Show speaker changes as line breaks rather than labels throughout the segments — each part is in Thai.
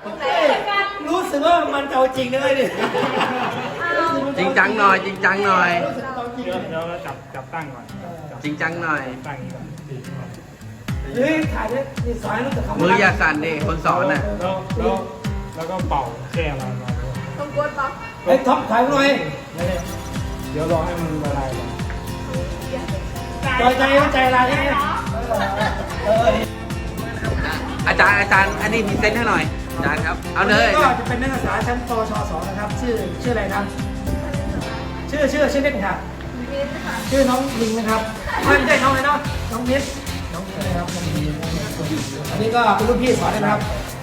รู้สึกว่ามันเอาจริงเลยดิ
จริงจังหน่อยจริงจังหน่อย
เดี๋ยวเราจับตั้งก่อน
จริงจังหน่อย
ตั้งนี้ก่อน
เฮ้ยถ่ายเนี่ยนี่สอนรู้สึกคำ
มืออย่าสั่นดิคนสอนน่ะ
แล้วก็เป่าแช่มา
ต้องกดปะ
เฮ้ยท็อปถ่ายหน่อย
เดี๋ยวรอให้มันละลายก่อน
ใจอะไรเนี่ยเออ
อาจารย์อันนี้พรีเซนต์ให้หน่อยอาจารย์ครับเอาเลย
ก็จะเป็นนักศึกษาชั้นปวช2นะครับชื่ออะไรครับชื่อเล่นค่ะ
มินค่ะ
ชื่อน้องลิงนะครับไม่ใช่น้องอะไรเนาะน้องมิสน้องอะไรครับอันนี้ก็เป็นรุ่นพี่สอนนะครับ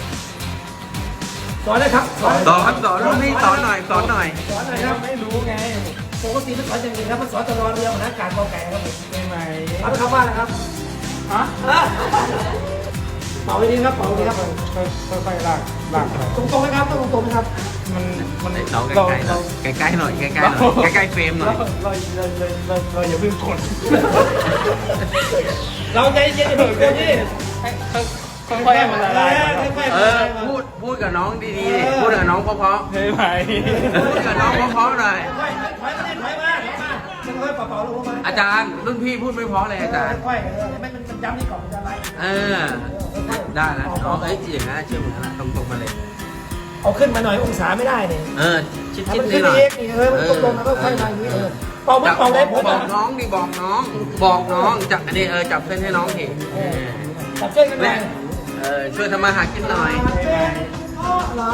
สอนเลยครับ
สอนรุ่นพี่สอนหน่อย
สอนอะไรครับไม่รู้ไงปกติมันสอนอย่างอื่นครับมันสอนตลอดเรือมันอากาศกอไก่ครับผม
ได้ไหม
รับคำว่าอะไรครับ
ฮะ
เป่าดีครับเป่าดีครับ
ค่อยๆลากไป
ตรงๆไหมครับต้องตรงๆไหมครับ
มัน
น้องใกล้ๆหน่อยใกล้ๆหน่อยใกล้ๆเฟรมหน่อย
เราอย่าเพิ่งกด
เราใจเย็นๆอย่าเพิ่งกดดิ
ค่อยๆให้มันละลาย
พูดกับน้องดีๆดิพูดกับน้องเพราะ
ได้ไหม
ๆพูดกับน้องเพราะๆหน่อย
ถอยมาเป่าๆลงมา
อาจารย์รุ่นพี่พูดไม่เพราะเลยอาจารย์
ค่อยๆมันย้ำนี่ก่อนมันจะอะไร
ได้นะน้องเอ้ยจริงนะเชื่อเหมือนกันตรงๆมาเลย
เอาขึ้นมาหน่อยองศาไม่ได้เนี่ย
ชิด
มัน
ๆ
ขึ้น
หน่อย
เองนี่มันตรงๆแล้วก็ค่อยมาอย่างนี้เป่าไม่เป่าได้ผม
บอกน้องดิบอกน้องจับอันนี้จับเส้นให้น้องที
จับช่วยกันหน่อย
ช่วยทำมาหากินหน่อย
เรา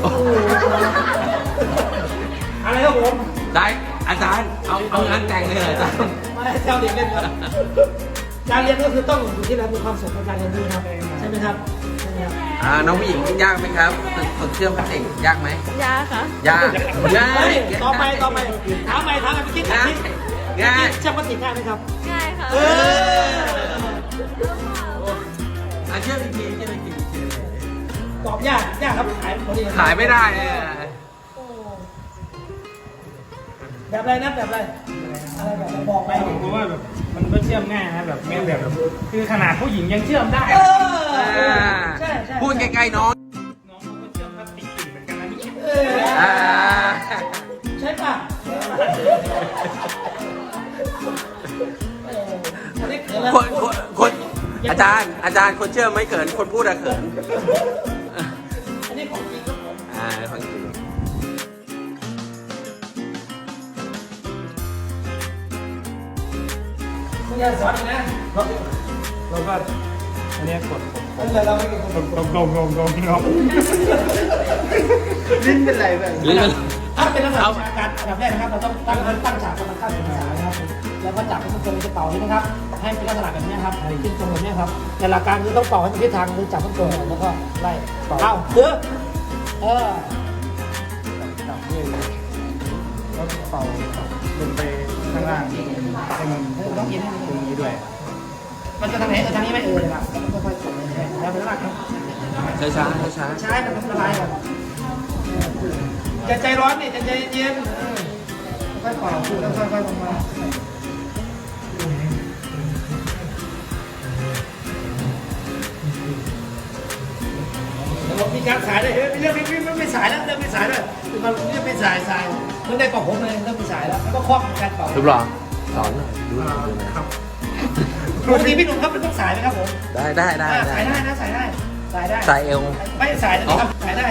อะไรครับผม
ได้อาจารย์เอางานแต่งเลยอาจารย์
มาให้เจ้าเด็กเล่นครับการเรียนก็คือต้องอยู่ที่เรามีความสุขในการเรียนรู้ครับใช่ไหมครับ
น้องผู้หญิงยากไหมครับฝึกเชื่อมพลาสติกยากไหม
ยาค่ะ
ยากง่าย
ต่อไปถามไปเมื่อกี้ถามนี่
ง่าย
เชื่อมพลาสติกง่ายไหมครับ
ง่ายค่ะ
เชื่อมอีกที
ตอบยากครับขายไม่ได้
ขายไม่ได้
แบบอะไรนะแบบอะไรอะไรแบบบอกไป
เพราะว่าแบบมันก็เชื่อมง่ายนะแบบไม่แบบคือขนาดผู้หญิงยังเชื่อมได้
ใช่
พูดใกล้ๆน้อง
น้องก็เชื่อมพลาสติกเหมือนกันนะนี่
ใช่ป่ะ
คนอาจารย์คนเชื่อไม่เขินคนพูดอะเขิน
อันนี้ของจริงครับผม
ของจริง
คุณยายสอนอีกนะ
เราก็อันนี้กด
เราไม่กิน
งง
ลิ้นเป็นไรแบบ
ลิ้นเป็น
ถ้าเป็นนักวิชาการอันดับแรกนะครับเราต้องตั้งฉากกรรมการศึกษานะครับแล้วก็จับให้มันตรงจะเป่านี้นะครับให้เป็นลักษณะแบบนี้ครับขึ้นตรงแบบนี้ครับแต่หลักการคือต้องเป่าให้มันทิศทางคือจับมันตรงแล้วก็ไล่เป่าเยอะ
จับด้วยแล้วเป่าลงไปข้างล่างให้มัน
ต้องกินให้มัน
ตรงนี้ด้วย
มันจะทางไหนทางนี้ไม่ครับค่อยๆแล้วเป็นลักษณะครับ
ช้า
ใช้มันละลายก่อนอย่าใจร้อนนี่ใจเย็นค่อยๆเป่าค่อยๆลงมามีการสายเลยเรื่องไม่สายแล้วเรื่องไม่สายด้วยมันเรื่องไม่สายมันได้เป่าผมเลยเรื่องไม่สายแล้วก็ครอบการเป่า
รูปหล่อสอนหน่อยดูหน่อย
ปกติพี่หนุ่มครับเป็นต้องสายไหมครับผม
ได้
สายได้นะสายได้
ใส่เอว
ไม่สายนะครับสายได้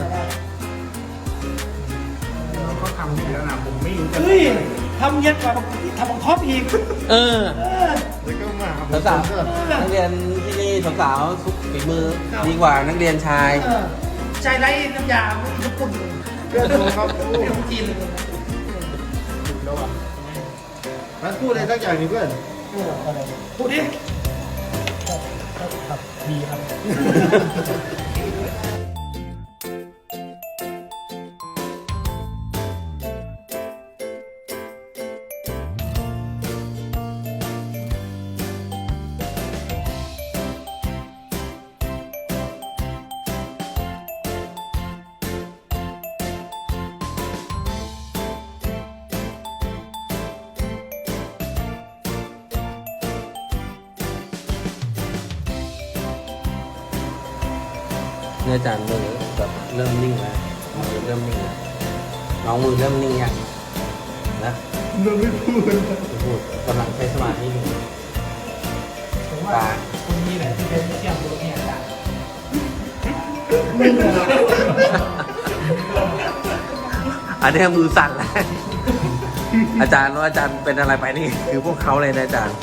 เขาทำให้แล้วนะผมไม่รู้จะ
เฮ้ยทำเย็นกว่าทำของท็อปอีก
แล้วก็มา
สาวนักเรียนที่นี่สาวสุขฝีมือดีกว่านักเรียนชาย
ใจไร้น้ำยาญี่ปุ่นเป็นจีน
แล้วอ่ะ
มันพูดอะไรสักอย่างนี่เพื่อน
พูดดิ
ดีครับ
เนี่ยอาจารย์มือแบบเริ่มนิ่งแล้วมือเริ่มนิ่งแล้วน้องมือเริ่มนิ่งยังนะ
มันไม่พูด
ไม่พูดกำลังใช้สมาธิอยู่
ผมว่าคนนี้แหละที่เป็นเชี่ยวตัวนี้อาจารย์มึงเหรอ
อันนี้มือสั่นแล้ว อาจารย์ว่าอาจารย์เป็นอะไรไปนี่คือพวกเขาเลยนะอาจารย์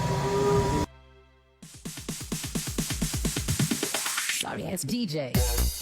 Sorry, it's DJ.